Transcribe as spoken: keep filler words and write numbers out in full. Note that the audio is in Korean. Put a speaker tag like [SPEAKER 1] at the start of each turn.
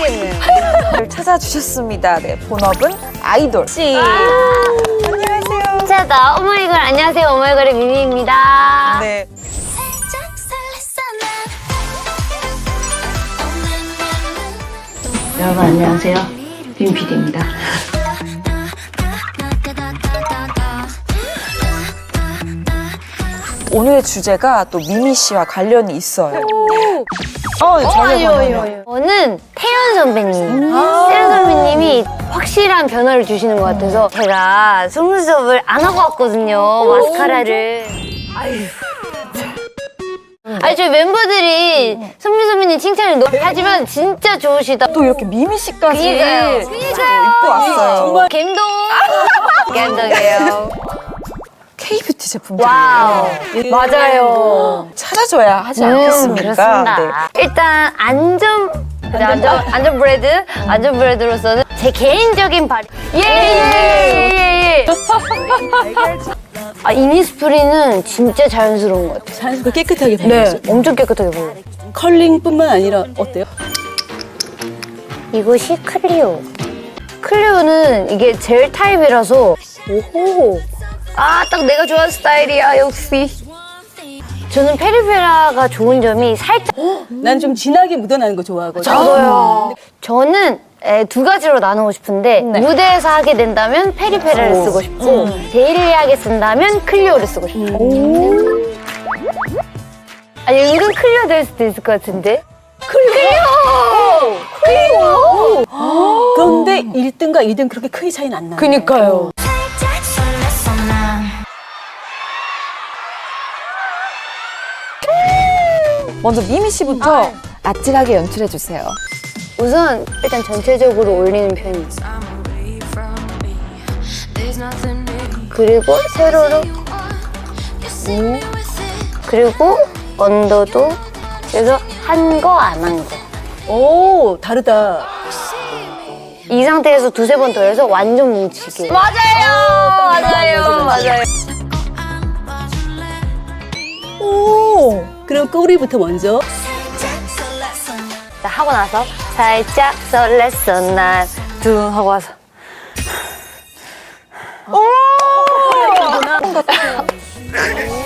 [SPEAKER 1] 설레는. 찾아주셨습니다. 네, 본업은 아이돌 씨.
[SPEAKER 2] 아 안녕하세요. 진짜다. 오마이걸 안녕하세요. 오마이걸의 미미입니다.
[SPEAKER 1] 네.
[SPEAKER 3] 여러분 안녕하세요. 빈피디입니다.
[SPEAKER 1] 오늘의 주제가 또 미미 씨와 관련이 있어요. 어,
[SPEAKER 2] 어, 아니요, 아니요, 아니요. 저는 태연 선배님. 태연 선배님이 확실한 변화를 주시는 것 같아서 제가 속눈썹을 안 하고 왔거든요. 마스카라를. 아유. 아니, 저희 멤버들이 선미 선배님 칭찬을 너무 하지만 진짜 좋으시다.
[SPEAKER 1] 또 이렇게 미미 씨까지
[SPEAKER 2] 그니까요.
[SPEAKER 1] 입고 왔어요.
[SPEAKER 2] 갬동. 갬동이에요.
[SPEAKER 1] K-뷰티 제품들이에요.
[SPEAKER 2] 와우. 맞아요.
[SPEAKER 1] 찾아줘야 하지
[SPEAKER 2] 음,
[SPEAKER 1] 않겠습니까?
[SPEAKER 2] 그렇습니다. 일단 안전 안전 안전 브랜드 안전 브랜드로서는 제 개인적인 발 예예예예. 아 이니스프리는 진짜 자연스러운 것 같아요.
[SPEAKER 4] 자연스럽게 깨끗하게
[SPEAKER 2] 네,
[SPEAKER 4] 발라요.
[SPEAKER 2] 엄청 깨끗하게 발라요.
[SPEAKER 4] 컬링뿐만 아니라 어때요?
[SPEAKER 2] 이것이 클리오. 클리오는 이게 젤 타입이라서 오호. 아, 딱 내가 좋아하는 스타일이야, 역시. 저는 페리페라가 좋은 점이 살짝
[SPEAKER 4] 난 좀 진하게 묻어나는 거 좋아하거든.
[SPEAKER 2] 저도요. 저는 에, 두 가지로 나누고 싶은데 무대에서 하게 된다면 페리페라를 쓰고 싶고 데일리하게 쓴다면 클리오를 쓰고 싶어요. 아니 은근 클리오 될 수도 있을 것 같은데. 클리오! 클리오!
[SPEAKER 4] 그런데 일 등과 이 등 그렇게 크게 차이는 안 나요.
[SPEAKER 2] 그니까요.
[SPEAKER 1] 먼저 미미 씨부터 아찔하게 연출해 주세요.
[SPEAKER 2] 우선 일단 전체적으로 올리는 편이에요. 그리고 세로로 음. 그리고 언더도 그래서 한 거 안 한 거.
[SPEAKER 4] 오, 다르다.
[SPEAKER 2] 이 상태에서 두세 번 더 해서 완전 뭉치게. 맞아요. 맞아요. 맞아요.
[SPEAKER 4] 오, 그럼 꼬리부터 먼저.
[SPEAKER 2] 하고 나서 살짝 설렜어 난 둥 하고 와서 오!